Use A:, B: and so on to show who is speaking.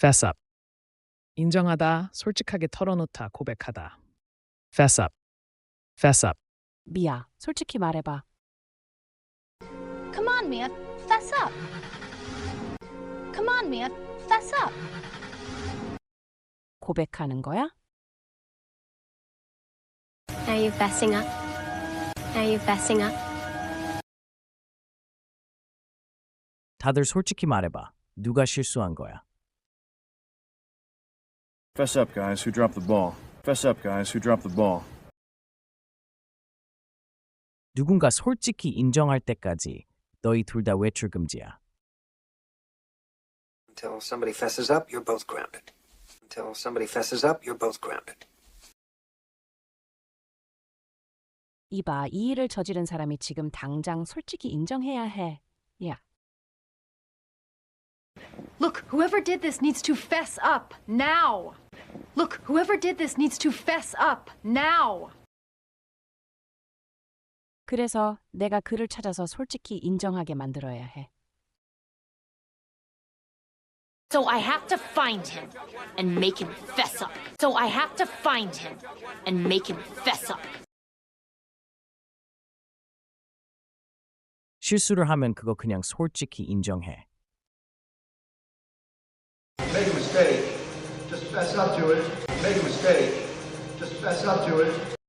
A: Fess up. 인정하다, 솔직하게 털어놓다, 고백하다. Fess up. Fess up.
B: 미야, 솔직히 말해봐.
C: Come on, Mia, fess up. Come on, Mia, fess up.
B: 고백하는 거야?
D: Are you fessing up? Are you fessing up?
E: 다들 솔직히 말해봐. 누가 실수한 거야?
F: Fess up, guys, who dropped the ball. Fess up, guys, who dropped the ball.
E: 누군가 솔직히 인정할 때까지 너희 둘 다 외출 금지야.
G: Until somebody fesses up, you're both grounded. Until somebody fesses up, you're both grounded.
B: 이봐, 이 일을 저지른 사람이 지금 당장 솔직히 인정해야 해. 야,
H: Look, whoever did this needs to fess up now. Look, whoever did this needs to fess up now.
B: 그래서 내가 그를 찾아서 솔직히 인정하게 만들어야 해.
I: So I have to find him and make him fess up. So I have to find him and make him fess up.
E: 실수를 하면 그거 그냥 솔직히 인정해.
J: Make a mistake, just fess up to it. Make a mistake, just fess up to it.